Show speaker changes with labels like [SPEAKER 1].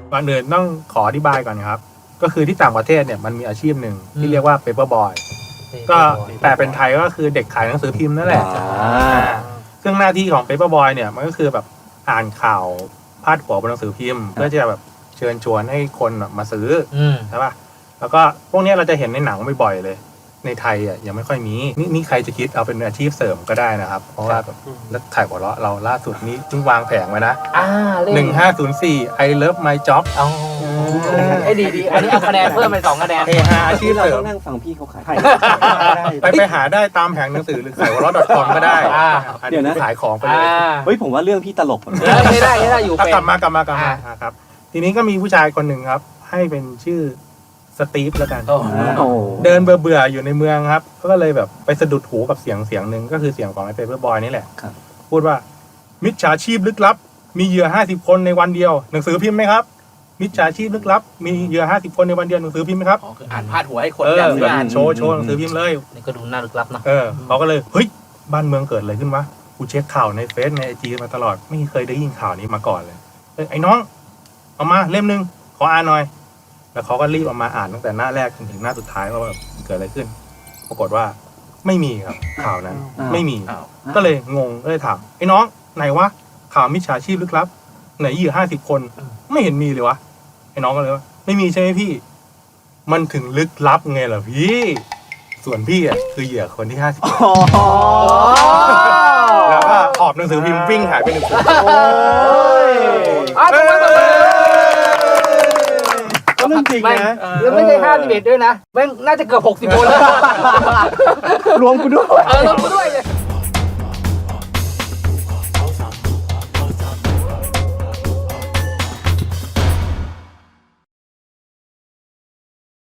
[SPEAKER 1] ก่อนอื่นต้องขออธิบายก่อนครับก็คือที่ต่างประเทศเนี่ยมันมีอาชีพหนึ่งที่เรียกว่า paper boy ก็แปลเป็นไทยก็คือเด็กขายหนังสือพิมพ์นั่นแหละซึ่งหน้าที่ของ paper boy เนี่ยมันก็คือแบบอ่านข่าวพาดหัวบนหนังสือพิมพ์เพื่อจะแบบเชิญชวนให้คนมาซื้อใช่ป่ะแล้วก็พวกนี้เราจะเห็นในหนังบ่อยๆเลยในไทยอ่ะยังไม่ค่อยมีนี่ใครจะคิดเอาเป็นอาชีพเสริมก็ได้นะครับเพราะว่าแบบแล้วขายหัวเราะเราล่าสุดนี้เพิ่งวางแผงไว้นะ1504 I love my job
[SPEAKER 2] ไอ้ดีอันนี้เอาคะแนนเพิ่มไป2 คะแนน
[SPEAKER 1] เฮฮาอาชีพ
[SPEAKER 3] เรา
[SPEAKER 1] เสริ
[SPEAKER 3] ต้
[SPEAKER 1] ม
[SPEAKER 3] องนั่งฟังพี่เขาขาย
[SPEAKER 1] ไปหาได้ตามแผงหนังสือหรือขายหัวเราะ .com ก็ได้
[SPEAKER 3] เดี๋ยวนะ
[SPEAKER 1] ขายของไปเลย
[SPEAKER 3] เฮ้ยผมว่าเรื่องพี่ตลก
[SPEAKER 2] ไม่ได้อยู่เป็น
[SPEAKER 1] กลับมครับทีนี้ก็มีผู้ชายคนหนึ่งครับให้เป็นชื่อสตีฟแล้วกันเดินเบื่ออยู่ในเมืองครับก็เลยแบบไปสะดุดหูกับเสียงหนึ่งก็คือเสียงของไอ้เปเปอร์บอยนี่แหละพูดว่ามิจฉาชีพลึกลับมีเหยื่อ50 คนในวันเดียวหนังสือพิมพ์ไหมครับมิจฉาชีพลึกลับมีเหยื่อ50 คนในวันเดียวหนังสือพิมพ์ไหมครับ
[SPEAKER 2] คืออ่านพาดหัวให้คนอยากซื้ออ่าน
[SPEAKER 1] โชว์หนังสือพิมพ์เลย
[SPEAKER 2] นี่ก็ดูน่าลึกลับนะ
[SPEAKER 1] เขาก็เลยเฮ้ยบ้านเมืองเกิดอะไรขึ้นวะกูเช็คข่าวในเฟซในไอจีมาตลอดไม่เคยได้ยินข่าวนี้มาก่อนเลยไอ้น้องเอามาเล่มนึงขออ่านหน่อยแล้วเขาก็รีบเอามาอ่านตั้งแต่หน้าแรกจนถึงหน้าสุดท้ายว่าแบบเกิดอะไรขึ้นปรากฏว่าไม่มีครับข่าวนั้นไม่มีก็เลยงงก็เลยถามไอ้น้องไหนวะข่าวมิจฉาชีพลึกลับไหนเหยื่อ50 คนไม่เห็นมีเลยวะไอ้น้องก็เลยว่าไม่มีใช่ไหมพี่มันถึงลึกลับไงล่ะพี่ส่วนพี่อ่ะคือเหยื่อคนที่50แล้วก็ขอบหนังสือพิมพ์วิ่งหายไป1 คน
[SPEAKER 3] ก็เรื่องจริงนะ
[SPEAKER 2] แล้วไม่ใช่51ด้วยนะแม่งน่าจะเกือบ60 คนแล้ว
[SPEAKER 3] รวมกูด้วย
[SPEAKER 2] รวมกูด้วย